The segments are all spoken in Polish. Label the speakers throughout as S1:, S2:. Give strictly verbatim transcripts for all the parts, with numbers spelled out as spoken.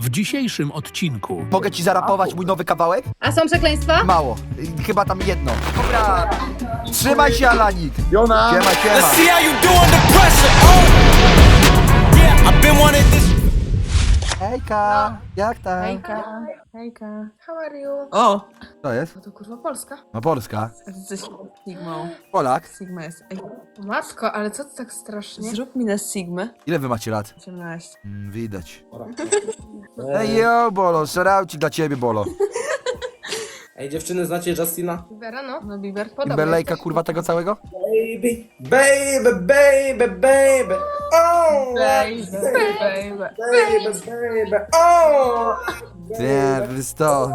S1: W dzisiejszym odcinku
S2: Mogę ci zarapować mój nowy kawałek?
S3: A są przekleństwa?
S2: Mało. Y, Chyba tam jedno. Dobra. Trzymaj się, Alanik.
S4: Jona!
S2: Siema, siema.
S5: Let's see how you do under pressure. Oh, yeah, I've been wanting this.
S2: Hejka. Jak tam?
S3: Hejka, hejka. How are you?
S6: O!
S2: To jest?
S3: No to kurwa Polska.
S2: No Polska.
S6: Jesteś Sigmą.
S2: Polak.
S6: Sigma jest. Ej,
S3: Matko, ale co ty tak strasznie?
S6: zrób mi na Sigmę.
S2: Ile wy macie lat?
S6: osiemnaście.
S2: Mm, widać. Ej, yo, Bolo. Szaraucik dla ciebie, Bolo.
S4: Ej, dziewczyny, znacie Justina?
S3: Bibera, no.
S6: No Bieber.
S3: Podobno
S2: Belejka,
S3: jesteś.
S2: kurwa, tego całego?
S4: Baby, baby, baby, baby. Oh,
S6: Baby,
S4: baby,
S6: baby.
S4: baby, baby. Oh,
S2: Nie, to jest to.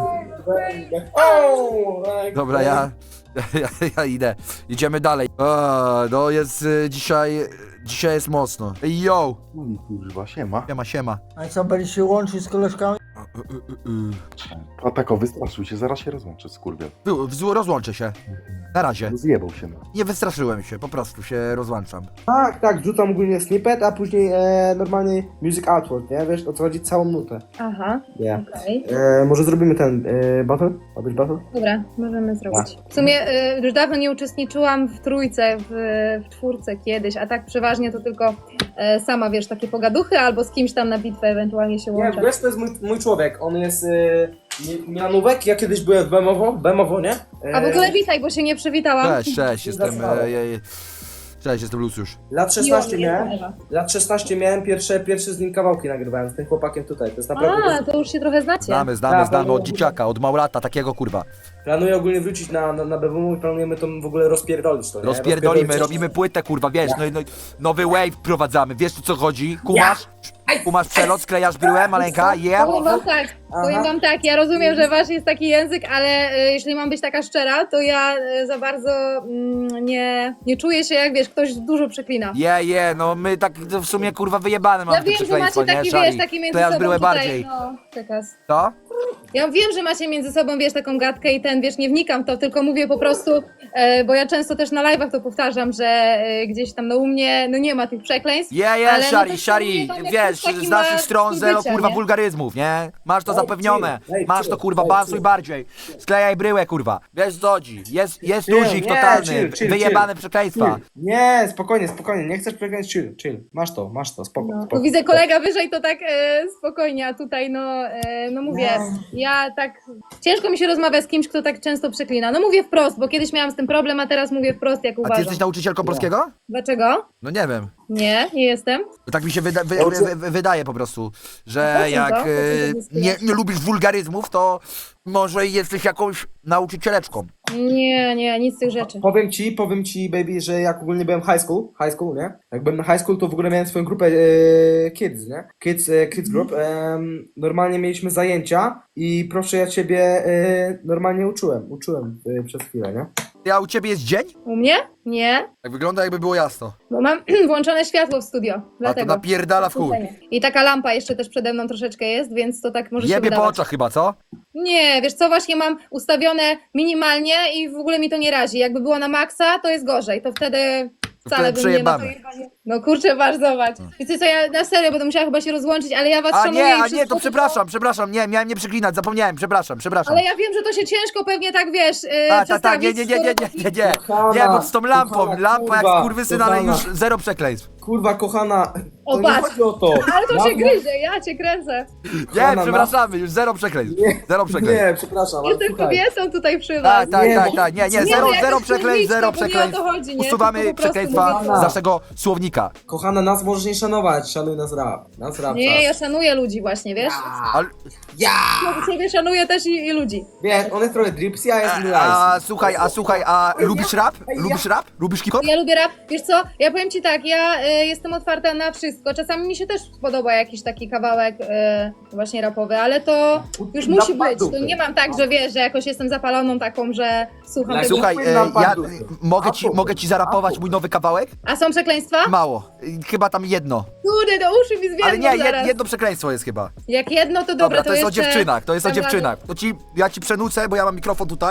S4: baby. Oh, like
S2: Dobra, ja, ja, ja idę. Idziemy dalej. O, no jest y, dzisiaj, dzisiaj jest mocno. Ej, yo.
S7: Ui, kurwa, siema.
S2: Siema, siema.
S8: A co, będziesz się łączyć z koleżkami?
S2: Y, y, y, y.
S7: A tak, o, wystraszył się, zaraz się rozłączę, skurwiel.
S2: Wy- wz- Rozłączę się. Na razie.
S7: No zjebał się, no.
S2: Nie wystraszyłem się, po prostu się rozłączam.
S4: Tak, tak, wrzucam ogólnie snippet, a później e, normalnie music outward, nie? Wiesz, o co chodzi? Całą nutę.
S3: Aha,
S4: Nie.
S3: okej.
S4: E, może zrobimy ten e, battle? Ma być battle?
S3: Dobra, możemy zrobić. W sumie y, już dawno nie uczestniczyłam w trójce, w, w czwórce kiedyś, a tak przeważnie to tylko y, sama, wiesz, takie pogaduchy albo z kimś tam na bitwę ewentualnie się
S4: Nie,
S3: łączę.
S4: wiesz, to jest mój, mój człowiek, on jest e, Mi- Mianówek, ja kiedyś byłem w Bemowo, Bemowo, nie? E,
S3: A w ogóle witaj, bo się nie przywitałam.
S2: Cześć, cześć, jestem... E, e, e, cześć, jestem Luciusz.
S4: Lat szesnaście
S3: Miło mi
S4: miałem,
S3: jest.
S4: lat szesnaście miałem, pierwsze, pierwsze z nim kawałki nagrywałem, z tym chłopakiem tutaj, to jest naprawdę...
S3: A, to już się trochę znacie.
S2: Znamy, znamy,
S4: Tak,
S2: znamy
S4: no,
S2: od
S4: no,
S2: dzieciaka, od małolata, takiego kurwa.
S4: Planuję ogólnie wrócić na, na, na B W M i planujemy to w ogóle rozpierdolić to, nie?
S2: Rozpierdolimy,
S4: Rozpierdolić-
S2: robimy płytę, kurwa, wiesz, no, i- no, i nowy wave wprowadzamy, wiesz o co chodzi? Kumasz? Kumasz przelot, sklejasz bryłę, maleńka, yeah?
S3: Powiem wam tak, powiem wam tak, ja rozumiem, że wasz jest taki język, ale y, jeśli mam być taka szczera, to ja y, za bardzo mm, nie, nie czuję się, jak wiesz, ktoś dużo przeklina.
S2: Je, je, no my tak w sumie kurwa wyjebane mamy
S3: Ja
S2: te
S3: wiem, że
S2: przekleństwo,
S3: macie
S2: nie,
S3: taki,
S2: Szari?
S3: wiesz, taki między
S2: To ja
S3: sobą
S2: zbryłę
S3: tutaj,
S2: bardziej.
S3: no, przekaz.
S2: Co?
S3: Ja wiem, że macie między sobą, wiesz, taką gadkę i ten, wiesz, nie wnikam w to, tylko mówię po prostu, e, bo ja często też na live'ach to powtarzam, że e, gdzieś tam no u mnie, no nie ma tych przekleństw.
S2: Je, je,
S3: Ale no
S2: Szari,
S3: to
S2: Szari,
S3: się tam jakiś
S2: wiesz,
S3: taki
S2: z
S3: ma
S2: naszych stron
S3: styl
S2: zero
S3: bycia,
S2: kurwa
S3: nie?
S2: wulgaryzmów, nie? Masz to
S4: Ej,
S2: zapewnione,
S4: chill, ej,
S2: masz
S4: chill,
S2: to kurwa,
S4: ej,
S2: bansuj
S4: chill.
S2: bardziej. Sklejaj bryłę, kurwa. Wiesz co chodzi, jest, jest
S4: Chill,
S2: luzik
S4: nie,
S2: totalny,
S4: chill, chill,
S2: wyjebane
S4: chill.
S2: przekleństwa.
S4: Chill. Nie, spokojnie, spokojnie, nie chcesz przegrać, chill, chill. Masz to, masz to, spoko,
S3: No,
S4: spoko.
S3: tu widzę kolega wyżej, to tak e, spokojnie, a tutaj no, e, no mówię, ja tak, ciężko mi się rozmawia z kimś, kto tak często przeklina. No mówię wprost, bo kiedyś miałam z tym problem, a teraz mówię wprost, jak
S2: A ty
S3: uważam.
S2: jesteś nauczycielką polskiego?
S3: Dlaczego?
S2: No nie wiem.
S3: Nie, nie jestem.
S2: No tak mi się wyda wy
S4: Ja uczę-
S2: wy wy wydaje po prostu,
S3: A
S2: że
S3: po co
S2: jak
S3: to? Po co to
S2: e,
S3: jest
S2: nie, nie lubisz wulgaryzmów, to może jesteś jakąś nauczycieleczką.
S3: Nie, nie, nic z tych rzeczy.
S4: Powiem ci, powiem ci, baby, że jak ogólnie byłem high school, high school, nie? Jak byłem na high school, to w ogóle miałem swoją grupę e, kids, nie? Kids, e, kids group. Em, normalnie mieliśmy zajęcia i proszę ja ciebie e, normalnie uczyłem, uczyłem e, przez chwilę, nie?
S2: A u ciebie jest dzień?
S3: U mnie? Nie,
S2: Tak wygląda jakby było jasno.
S3: bo mam włączone światło w studio,
S2: A to
S3: dlatego.
S2: napierdala w chuj.
S3: I taka lampa jeszcze też przede mną troszeczkę jest, więc to tak może się
S2: Jebie po
S3: wydawać.
S2: oczach chyba, co?
S3: Nie, wiesz co, właśnie mam ustawione minimalnie i w ogóle mi to nie razi. Jakby było na maksa, to jest gorzej, to wtedy wcale
S2: wtedy
S3: bym nie... No, to
S2: przejebane.
S3: jebanie- no kurczę, masz, zobacz. Wiecie co, ja na serio będę musiała chyba się rozłączyć, ale ja was
S2: A
S3: szanuję
S2: nie,
S3: i
S2: a nie,
S3: wszystko,
S2: to przepraszam, przepraszam, nie, miałem nie przeklinać, zapomniałem, przepraszam, przepraszam.
S3: Ale ja wiem, że to się ciężko pewnie tak, wiesz, yy,
S2: A, tak, tak, nie, nie, nie, nie, nie, nie, nie,
S4: Kochana,
S2: nie, bo z tą lampą,
S4: kochana,
S2: lampa jak
S4: kurwa,
S2: skurwysyn, ale
S4: kochana.
S2: już zero przekleństw.
S4: Kurwa, kochana,
S3: O,
S4: to nie
S3: patrz.
S4: chodzi o to.
S3: Ale to się
S4: Mam-
S3: gryzie, ja cię kręcę.
S2: Nie,
S4: Kochana,
S2: przepraszamy, już zero przekleństw, zero przekleństw.
S4: Nie, przepraszam, ale
S3: Jestem
S4: słuchaj.
S3: kobietą tutaj przy was.
S2: Tak, tak,
S4: Nie,
S2: tak,
S4: bo-
S2: tak, nie, nie,
S3: Nie,
S2: zero,
S3: no jak
S2: zero
S3: jest
S2: przekleństw, zero
S3: słowniczka, bo nie o to
S2: przekleństw.
S3: chodzi, nie?
S2: Usuwamy
S3: Tylko po prostu
S2: przekleństwa
S3: mówię-
S2: z naszego słownika.
S4: Kochana, nas możesz nie szanować, szanuj nas rap. Nas rap
S3: Nie, ja
S4: czas.
S3: szanuję ludzi właśnie, wiesz?
S2: Ale,
S4: Ja!
S3: No, ciebie szanuję też i, i ludzi.
S4: Wiesz, on jest trochę dripsy, a jest
S2: a,
S4: nice.
S2: a słuchaj, a słuchaj, a lubisz rap? Lubisz rap? Lubisz hip-hop?
S3: Ja lubię rap. Wiesz co, ja powiem ci tak, ja y, jestem otwarta na wszystko. Czasami mi się też podoba jakiś taki kawałek y, właśnie rapowy, ale to już
S4: Na
S3: musi być.
S4: padupy.
S3: To nie mam tak, że wiesz, że jakoś jestem zapaloną taką, że słucham
S4: Ale
S3: tego.
S2: Słuchaj,
S4: Słuchaj,
S2: e,
S4: na
S2: ja
S4: padupy.
S2: mogę ci,
S4: Apple.
S2: mogę ci zarapować mój nowy kawałek?
S3: A są przekleństwa?
S2: Mało, Y, chyba tam jedno.
S3: Kurde, do uszy mi zwiedzą
S2: Ale nie,
S3: zaraz.
S2: jed, jedno przekleństwo jest chyba.
S3: Jak jedno, to dobra,
S2: Dobra, to jest o
S3: jeszcze
S2: dziewczynach, to jest o
S3: dam radę.
S2: dziewczynach. To ci, ja ci przenucę, bo ja mam mikrofon tutaj.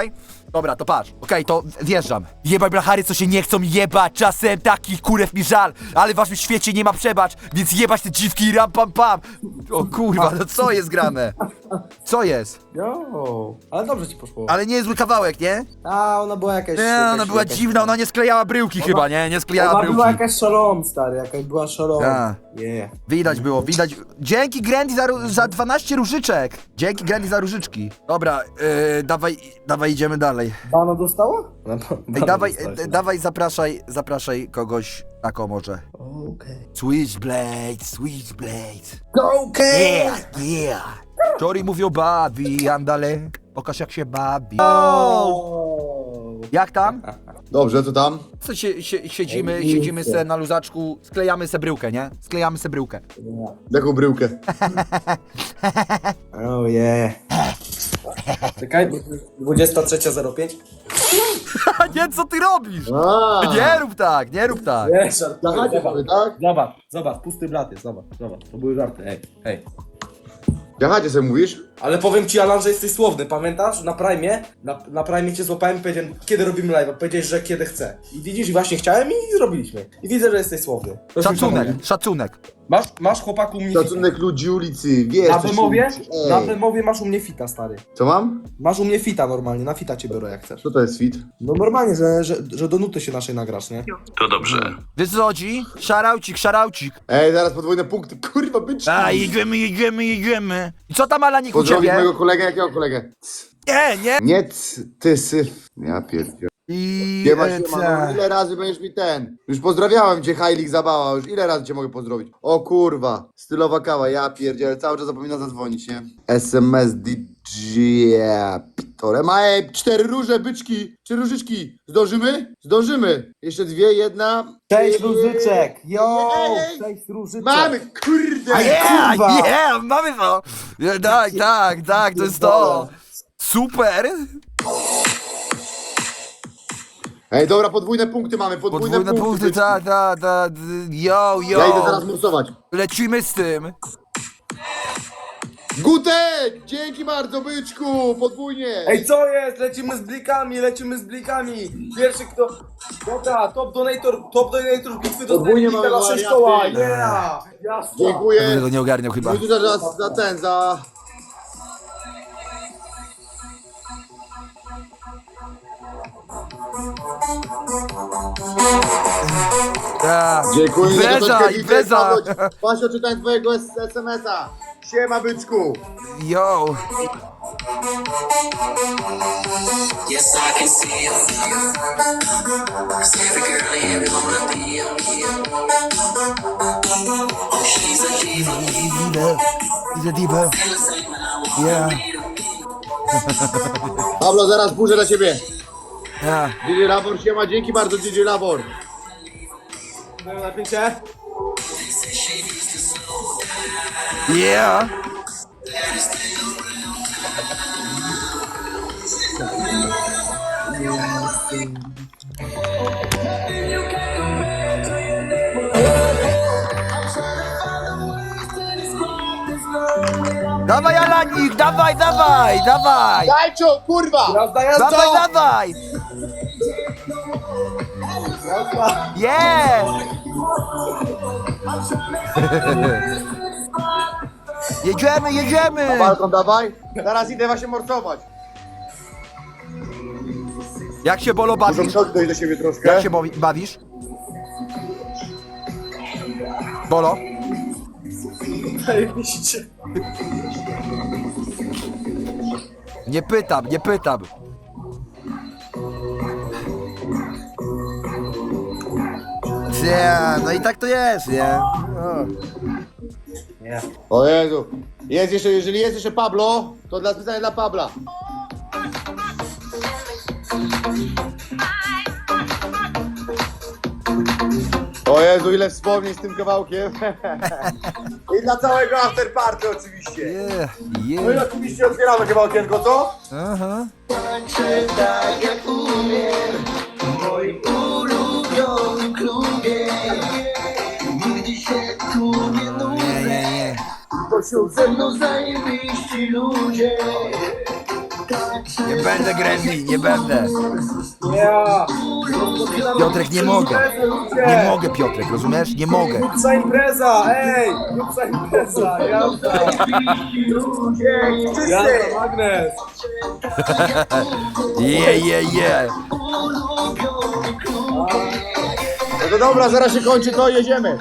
S2: Dobra, to patrz. Okej, to wjeżdżam. Jebaj blachary, co się nie chcą jebać. Czasem takich kurew mi żal, ale w waszym świecie nie ma przebacz, więc jebać te dziwki i ram pam pam. O kurwa, no co jest grane? Co jest?
S4: Jo, ale dobrze ci poszło.
S2: Ale nie jest zły kawałek, nie?
S4: A, ona była jakaś...
S2: Nie,
S4: jakaś
S2: ona była
S4: jakaś-
S2: dziwna, ona nie sklejała bryłki chyba, nie? Nie sklejała
S4: Ona
S2: bryłki.
S4: była jakaś szalom, stary, jakaś była szalom.
S2: A.
S4: Yeah.
S2: Widać było, widać. Dzięki Grandy za, ró- za dwanaście różyczek. Dzięki Grandy za różyczki. Dobra, yy, dawaj, dawaj idziemy dalej.
S4: Bana dostała?
S2: Ej, dawaj, e, dawaj, zapraszaj, zapraszaj kogoś na komorze.
S4: Okej.
S2: Switchblade, Switchblade.
S4: Okej!
S2: Yeah, yeah. Tori mówią bawi, andale. Pokaż jak się bawi. O! Jak tam?
S7: Dobrze, to tam?
S2: Co się, się, siedzimy, siedzimy se na luzaczku, sklejamy se bryłkę, nie? Sklejamy se bryłkę.
S7: Jaką bryłkę?
S4: Oh yeah. Czekaj, dwudziesta trzecia zero pięć.
S2: Nie, co ty robisz?
S7: A,
S2: Nie rób tak, nie rób tak.
S4: Nie, żartuję,
S7: Zachacie
S4: zobacz.
S7: sobie, tak?
S4: Zobacz, zobacz, pusty blat jest, zobacz, zobacz, to były żarty, ej, ej.
S7: Jachacie sobie mówisz?
S4: Ale powiem ci, Alan, że jesteś słowny, pamiętasz? Na Prime, na, na Prime cię złapałem i powiedziałem, kiedy robimy live, powiedziałeś, że kiedy chcę. I widzisz, i właśnie chciałem i zrobiliśmy. I widzę, że jesteś słowny. To się
S2: Szacunek,
S4: zgadza.
S2: szacunek.
S4: Masz, masz chłopaku u mnie fita.
S7: Szacunek ludzi ulicy, wiesz
S4: Na
S7: co się
S4: wymowie,
S7: liczy. Ej.
S4: na wymowie masz u mnie fita, stary.
S7: Co mam?
S4: Masz u mnie fita normalnie, na fita cię biorę jak chcesz.
S7: Co to jest fit?
S4: No normalnie, że, że, że do nuty się naszej nagrasz, nie?
S2: Wiesz co chodzi? Szaraucik, szaraucik.
S7: Ej, zaraz podwójne punkty, kurwa, byczki!
S2: A, jedziemy, jedziemy, jedziemy. I co tam, Alanik, u
S7: Pozdrowić
S2: ciebie?
S7: mojego kolegę, jakiego kolegę?
S2: Nie, nie.
S7: Nie, c, ty syf. Ja pierdzielę.
S2: I...
S7: Siema,
S2: e,
S7: siema,
S2: co?
S7: no ile razy będziesz mi ten? Już pozdrawiałem cię, Hajlik Zabała, już ile razy cię mogę pozdrowić? O kurwa, stylowa kawa, ja pierdzielę, cały czas zapomina zadzwonić, nie? S M S D J Pitore, ma ej, cztery róże, byczki, trzy różyczki, zdążymy? Zdążymy, jeszcze dwie, jedna...
S4: Cześć
S7: Ej,
S4: różyczek, yo,
S7: ej,
S4: cześć różyczek.
S7: Mamy, kurde!
S2: A yeah,
S4: kurwa.
S2: yeah, mamy to. Ja, tak, tak, tak, to jest to. Super.
S7: Ej, dobra, podwójne punkty mamy, podwójne,
S2: Podwójne punkty,
S7: byczki.
S2: tak, tak, tak. Yo, yo.
S7: Ja idę teraz morsować.
S2: Lecimy z tym.
S7: Gutek! Dzięki bardzo, byczku! Podwójnie!
S4: Ej, co jest? Lecimy z blikami, lecimy z blikami. Pierwszy kto... Dobra, top donator, top donator bitwy dostaje
S7: Podwójnie
S4: blika
S7: mamy
S4: na sześć koła.
S7: wariaty.
S4: Yeah! Jasno.
S2: Ja
S7: Dziękuję.
S2: tego nie ogarniał chyba.
S7: Dziękuję za, za, za ten, za...
S2: Ja.
S7: Dziękuję za
S2: Impreza,
S7: troszeczkę
S2: impreza.
S7: widzę. Właśnie czytałem twojego es em es a. Siema, byczku!
S2: Yo.
S9: Yes, I can see you. Every girl in here wanna be a Oh, she's a diva.
S2: Idę diva. Yeah.
S7: Pablo, zaraz burzę dla ciebie.
S2: Yeah.
S7: D J Labor, siema, dzięki bardzo, D J Labor.
S4: Daję napięcie.
S2: Yeah. Dawaj, Alanik, dawaj, dawaj, dawaj!
S7: Dajczo, kurwa!
S4: Jazda, jazda!
S2: Dawaj, dawaj! Yeah! Jedziemy, jedziemy!
S7: Balkon, dawaj. Zaraz idę właśnie morsować.
S2: Jak się Bolo
S7: Muszę
S2: bawisz?
S7: przodnąć do siebie troszkę.
S2: Jak się bawi- bawisz? Bolo?
S4: Zajebiście.
S2: Nie pytam, nie pytam. Nie, no i tak to jest, nie? O.
S7: O Jezu. Jest jeszcze, jeżeli jest jeszcze Pablo, to dla specjalnie dla Pabla. O Jezu, ile wspomnień z tym kawałkiem. I dla całego afterparty oczywiście.
S2: Yeah,
S7: No i
S2: yeah.
S7: oczywiście otwieramy chyba okienko, co?
S2: Aha.
S7: Tak jak umiem, w moim ulubionym klubie. Nigdy się tu nie
S2: Nie,
S7: nudzę,
S2: nie, nie.
S7: bo są ze mną zajebiści ludzie.
S2: Nie będę gremlin, nie będę.
S4: Ja!
S2: Piotrek, nie mogę. Nie mogę, Piotrek, rozumiesz? Nie mogę.
S4: Grubsza impreza, ej! Grubsza impreza, jazda! Jazda, magnes!
S2: Je, je, je.
S7: No to dobra, zaraz się kończy, to jedziemy.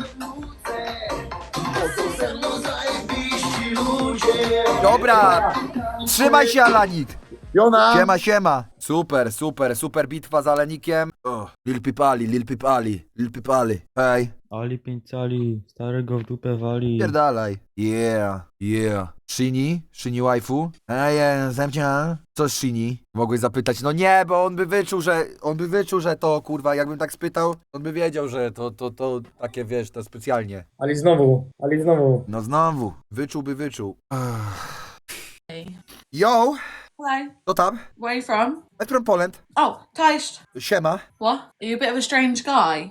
S2: Dobra. Trzymaj się, Alanik.
S7: Jona!
S2: Siema, siema. Super, super, super bitwa z Alenikiem. Oh, Lil Pipali, Lil Pipali, Lil Pipali. Hej,
S10: Ali pięć cali, starego w dupę wali.
S2: pierdalaj. Yeah, yeah. Shini? Shini waifu? Ej, zemcia. Co Shini? Mogłeś zapytać. No nie, bo on by wyczuł, że, on by wyczuł, że to, kurwa, jakbym tak spytał, on by wiedział, że to, to, to takie, wiesz, to specjalnie.
S4: Ali znowu, Ali znowu.
S2: No znowu, wyczułby wyczuł.
S6: Hey.
S2: Yo,
S6: Hello.
S2: co tam?
S6: Where are you from?
S2: I'm from Poland.
S6: Oh, Cześć.
S2: Siema.
S6: What? Are you a bit of a strange guy?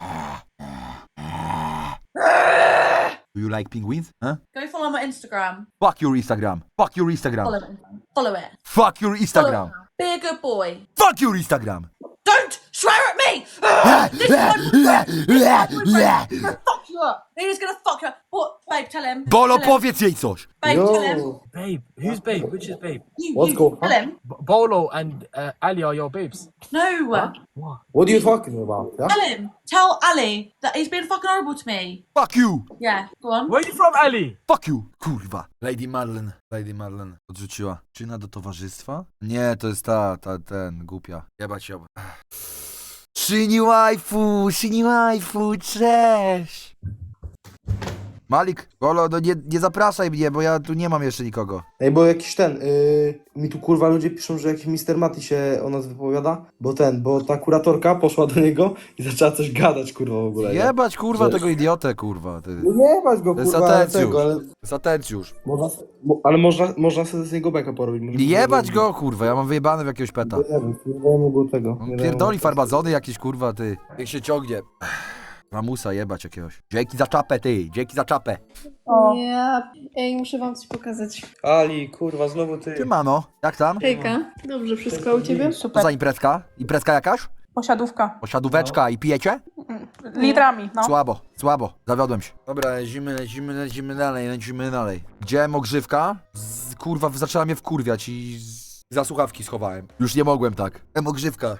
S2: Do you like penguins? Huh?
S6: Go follow my Instagram.
S2: Fuck your Instagram. Fuck your Instagram.
S6: Follow it. Follow it.
S2: Fuck your
S6: Follow
S2: Instagram.
S6: it. Be a good boy.
S2: Fuck your Instagram.
S6: Don't swear at me! This is my boyfriend. Fuck you up. He's gonna fuck you up. What? Babe, tell him.
S2: Bolo,
S6: Tell him.
S2: powiedz jej coś.
S6: Babe, tell him.
S4: Yo!
S10: Babe, who's babe? Which is babe?
S6: You,
S4: What's
S6: you.
S4: going on?
S6: Tell him.
S10: B- Bolo and uh, Ali are your babes.
S6: No.
S4: What are you talking about? Yeah?
S6: Tell him. Tell Ali that he's been fucking horrible to me.
S2: Fuck you.
S6: Yeah, go on.
S10: Where are you from, Ali?
S2: Fuck you. Kurwa. Lady Marlene. Lady Marlene odrzuciła. Czyna do towarzystwa? Nie, to jest ta, ta, ten, głupia. Jebać ją. Shini waifu, Shini waifu, cześć. Malik, Bolo, no nie, nie zapraszaj mnie, bo ja tu nie mam jeszcze nikogo.
S4: Ej, bo jakiś ten, yy, mi tu kurwa ludzie piszą, że jakiś mister Mati się o nas wypowiada, bo ten, bo ta kuratorka poszła do niego i zaczęła coś gadać kurwa w ogóle. nie?
S2: Jebać, kurwa,
S4: Że-
S2: tego idiotę, kurwa. Ty.
S4: No nie bać go
S2: To jest
S4: kurwa, ale
S2: atencjusz.
S4: tego, ale
S2: To jest atencjusz.
S4: można, mo, ale można, można sobie z niego beka porobić. Może-
S2: Jebać go, kurwa, ja mam wyjebane w jakiegoś peta.
S4: Nie wiem, nie dajemy go tego.
S2: On
S4: nie dajemy
S2: pierdoli
S4: go-
S2: farbazony jakieś, kurwa, ty. Jak się ciągnie. Ramusa jebać jakiegoś. Dzięki za czapę, ty, dzięki za czapę.
S3: Ja... Ej, muszę wam coś pokazać.
S4: Ali, kurwa, znowu ty.
S2: Siemano, jak tam?
S3: Hejka. Dobrze, wszystko u ciebie?
S2: Co za imprezka? Imprezka jakaś?
S6: Posiadówka.
S2: Posiadóweczka i pijecie?
S6: Litrami, no.
S2: Słabo, słabo, zawiodłem się. Dobra, lecimy, lecimy, lecimy dalej, lecimy dalej. Gdzie ogrzywka? Z, kurwa, zaczęła mnie wkurwiać i z, za słuchawki schowałem. Już nie mogłem tak. Ogrzywka.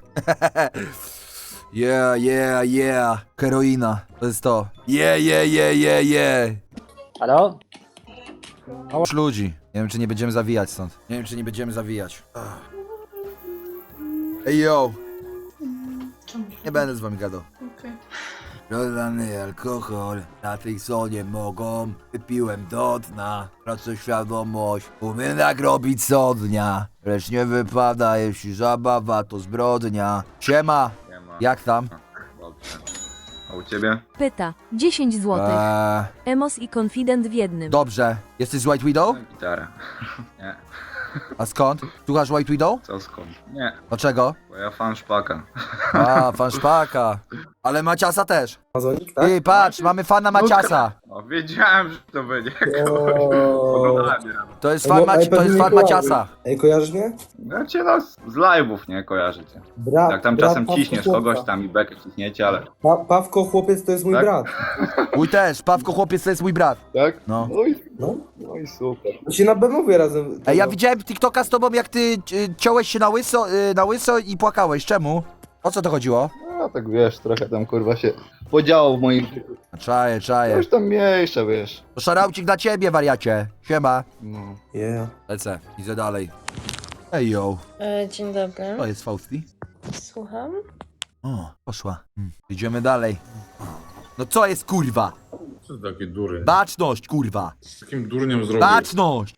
S2: Yeah, yeah, yeah. Heroina, to jest to. Yeah, yeah, yeah, yeah, yeah.
S8: Halo?
S2: Masz ludzi. Nie wiem, czy nie będziemy zawijać stąd. Nie wiem, czy nie będziemy zawijać. Ach. Ej, yo. Nie będę z wami gadał.
S3: Okej.
S2: Rozlany alkohol, na tej sonie mogą. Wypiłem do dna, tracę świadomość. Umiem tak robić co dnia. Lecz nie wypada, jeśli zabawa to zbrodnia. Siema, jak tam?
S11: Dobrze. A u ciebie?
S12: Pyta. dziesięć złotych.
S2: Eee,
S12: Emos i Confident w jednym.
S2: dobrze. Jesteś z White Widow?
S11: Gitara. Nie.
S2: A skąd? Słuchasz White Widow?
S11: Co skąd? Nie.
S2: Dlaczego?
S11: Bo ja fan szpaka.
S2: A, fan szpaka. Ale Maciasa też.
S4: Amazonik, tak?
S2: Ty, patrz, mamy fana Maciasa.
S11: O, wiedziałem, że to będzie.
S4: O.
S2: To jest
S4: Ej,
S2: fan,
S4: bo-
S2: Maci-
S4: ej,
S2: to jest
S4: pewnie
S2: fan
S4: nie
S2: Maciasa.
S4: Ej, kojarzysz mnie?
S11: Ja cię no, z live'ów nie kojarzycie.
S4: Brat,
S11: Jak tam
S4: brat
S11: czasem
S4: Pawko
S11: ciśniesz
S4: chłopca.
S11: kogoś tam i bekę ciśniecie, ale...
S4: Pa Pawko chłopiec to jest mój
S11: Tak?
S4: brat.
S2: Mój też, Pawko chłopiec to jest mój brat.
S11: Tak?
S2: No.
S11: No i,
S4: No.
S11: no i super.
S4: My się na B mówię razem.
S2: Ej, ja
S4: tego.
S2: widziałem TikToka z tobą, jak ty y, ciąłeś się na łyso, y, na łyso i płakałeś. Czemu? O co to chodziło?
S11: No tak wiesz, trochę tam kurwa się podziało w moim...
S2: Czaję, czaję.
S11: Coś tam mniejsze, wiesz.
S2: To szaraucik dla ciebie, wariacie. Siema.
S11: No.
S4: Yeah.
S2: Lecę, idę dalej. Ej, yo.
S12: E, dzień dobry.
S2: To jest Fausti.
S12: Słucham?
S2: O, poszła. Hmm. Idziemy dalej. No co jest, kurwa?
S13: Co to takie dury?
S2: Baczność, kurwa.
S13: Z takim durniem zrobił.
S2: Baczność.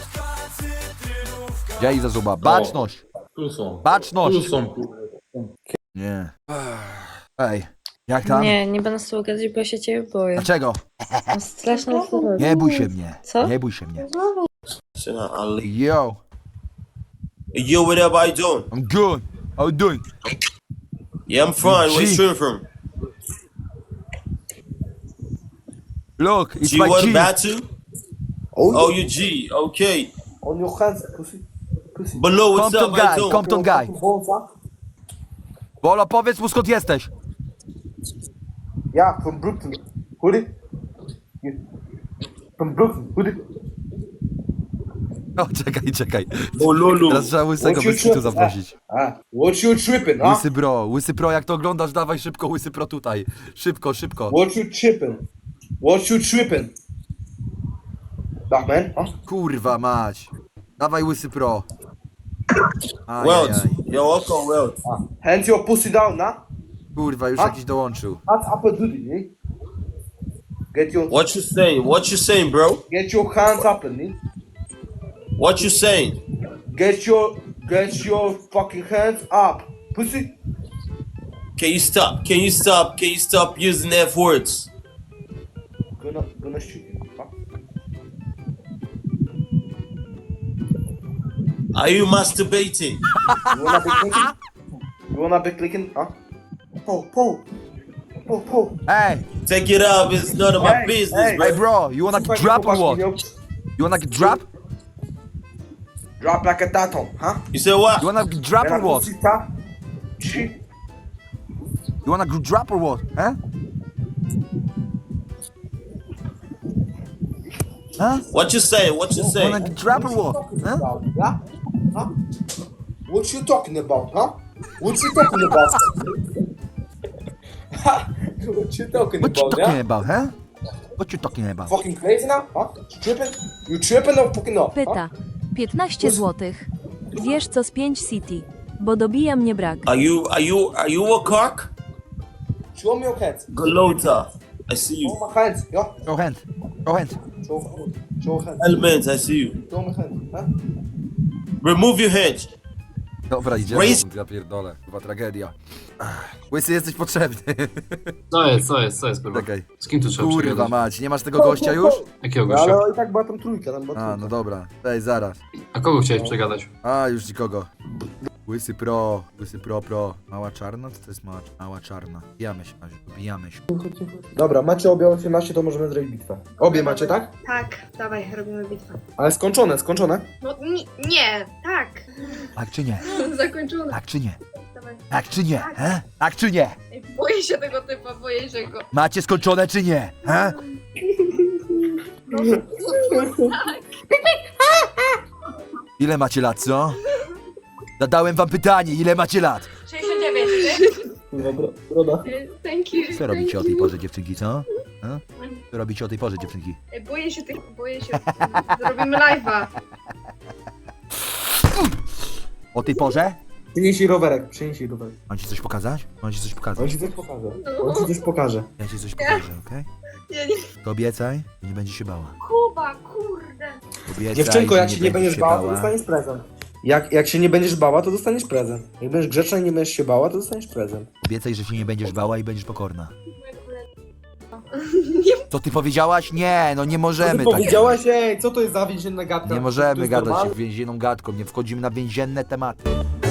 S2: Gdzie Iza Zuba? Baczność.
S13: Tu są.
S2: Baczność.
S13: Tu są, kurwa.
S2: Nie. Ej, jak tam?
S12: Nie, nie będę z tobą gadać, bo ja się ciebie boję.
S2: Dlaczego?
S12: Mam straszną fobię.
S2: Nie bój się mnie.
S12: Co?
S2: Nie bój się mnie.
S9: Ali.
S2: Yo,
S9: Yo, what up? How you doing?
S2: I'm good. How you doing?
S9: Yeah, I'm fine. Where you
S2: G.
S9: shooting from?
S2: Look, it's
S9: G,
S2: my
S9: what
S2: G.
S9: about to?
S4: Oh,
S9: Oh, you G. Okay.
S4: On your hands, pussy.
S9: Below, what's
S2: Compton
S9: up, I
S2: guy,
S9: don't.
S2: Compton guy.
S4: Bolsa.
S2: Bolo, powiedz mu skąd jesteś.
S4: Yeah, from Brooklyn. Hoodie. Yeah. From Brooklyn. Hoodie.
S2: O, czekaj, czekaj.
S9: Oh, Lolo.
S2: Teraz trzeba łysego
S4: What you
S2: bez tu
S4: tri-
S2: zaprosić.
S4: Ah, what you tripping, huh?
S2: Łysy bro, łysy pro, jak to oglądasz, dawaj szybko, łysy pro tutaj. Szybko, szybko.
S4: What you tripping? What you tripping? Dark man, huh?
S2: Kurwa mać. Dawaj łysy pro.
S9: Welt.
S2: Ajajaj.
S9: Yo, welcome, Welt.
S4: Ah. Hands your pussy down, nah?
S2: Kurwa, już
S4: A?
S2: jakiś dołączył.
S4: Hands up a duty, eh? Get your
S9: What you saying? What you saying, bro?
S4: get your hands up, eh?
S9: What you saying?
S4: Get your get your fucking hands up, pussy.
S9: Can you stop? Can you stop? Can you stop using F words?
S4: Gonna gonna shoot you. Huh?
S9: Are you masturbating?
S4: You wanna be clicking? You wanna be clicking? Huh? Pull, pull, pull, pull.
S2: Hey,
S9: Take it out. It's none of my
S4: Hey,
S9: business,
S4: hey.
S9: bro.
S2: hey bro, you wanna get drop or what? You wanna get drop?
S4: Drop like a tatom, huh?
S9: You said what?
S2: You wanna get drop or
S4: When I
S2: what?
S4: pussy tap, shit.
S2: You wanna get drop or what? Huh? Huh?
S9: What you saying? What you
S2: You wanna
S9: saying?
S2: get drop or what? Huh?
S4: Huh? Huh? What you talking about, huh? What you talking about? What you talking
S2: What you
S4: about,
S2: talking
S4: yeah?
S2: about, huh? What you talking about?
S4: Fucking crazy now, huh? You tripping? You tripping or fucking not? Huh?
S12: Pyta. piętnaście złotych. Wiesz co z pięć City, bo dobija mnie brak.
S9: Are you? Are you? Are you a cock?
S4: Show me your hands.
S9: Galota. I see you.
S4: Show my hands, yeah?
S2: Show hand. Show hand.
S4: Show, show hands.
S9: Element. I see you.
S4: Show my hands, huh?
S9: Remove your hands.
S2: Dobra, idziemy.
S9: Raise-
S2: Ja pierdolę. Chyba tragedia. Ach, Łysy, jesteś potrzebny.
S10: Co jest, co jest, co jest, kurwa?
S2: Czekaj.
S10: Z kim tu trzeba
S2: Kurwa
S10: przegadać?
S2: mać, nie masz tego gościa już?
S10: Jakiego
S4: No,
S10: gościa?
S4: ale i tak była tam trójka, tam była
S2: A,
S4: trójka.
S2: no dobra. Ej, zaraz.
S10: A kogo chciałeś przegadać?
S2: A, już nikogo. Łysy pro, łysy pro pro. Mała czarna? Co to jest mała, mała czarna? Bijamy się, Maziu, bijamy się.
S4: Dobra, macie obie osiemnaście, to możemy zrobić bitwę. Obie macie, tak?
S3: Tak, dawaj, robimy bitwę.
S4: Ale skończone, skończone.
S3: No nie, nie tak.
S2: Tak czy nie?
S3: Zakończone.
S2: Tak czy nie?
S3: Dawaj.
S2: Tak czy nie? He? Tak czy nie?
S3: Ej, boję się tego typa, boję się go.
S2: Macie skończone czy nie? He? Ile macie lat, co? Zadałem wam pytanie, ile macie lat?
S3: sześćdziesiąt dziewięć, ty?
S4: Kurwa, bro, broda.
S3: Thank you.
S2: Co robicie o tej porze, dziewczynki, co? He? Co robicie o tej porze, dziewczynki?
S3: Ej, boję się tych, boję się. Zrobimy live'a.
S2: O tej porze?
S4: Przynieś jej rowerek, przynieś jej rowerek.
S2: Mam ci coś pokazać? Mam ci coś
S4: On
S2: pokazać?
S4: ci coś pokaże. On ci coś pokaże.
S2: Ja ci coś pokażę, okej?
S3: Nie, nie.
S2: To obiecaj, że nie będzie się bała.
S3: Kuba, kurde.
S2: Obiecaj,
S4: Dziewczynko,
S2: że
S4: jak się nie będziesz
S2: się
S4: bała, to dostaniesz prezent. Jak, jak się nie będziesz bała, to dostaniesz prezent. Jak będziesz grzeczna i nie będziesz się bała, to dostaniesz prezent.
S2: Obiecaj, że się nie będziesz bała i będziesz pokorna. Co ty powiedziałaś? Nie, no nie
S4: Co
S2: możemy
S4: ty
S2: tak.
S4: powiedziałaś? Ej, co to jest za więzienna gadka?
S2: Nie
S4: To
S2: możemy
S4: jest
S2: gadać
S4: normalne?
S2: więzienną gadką, nie wchodzimy na więzienne tematy.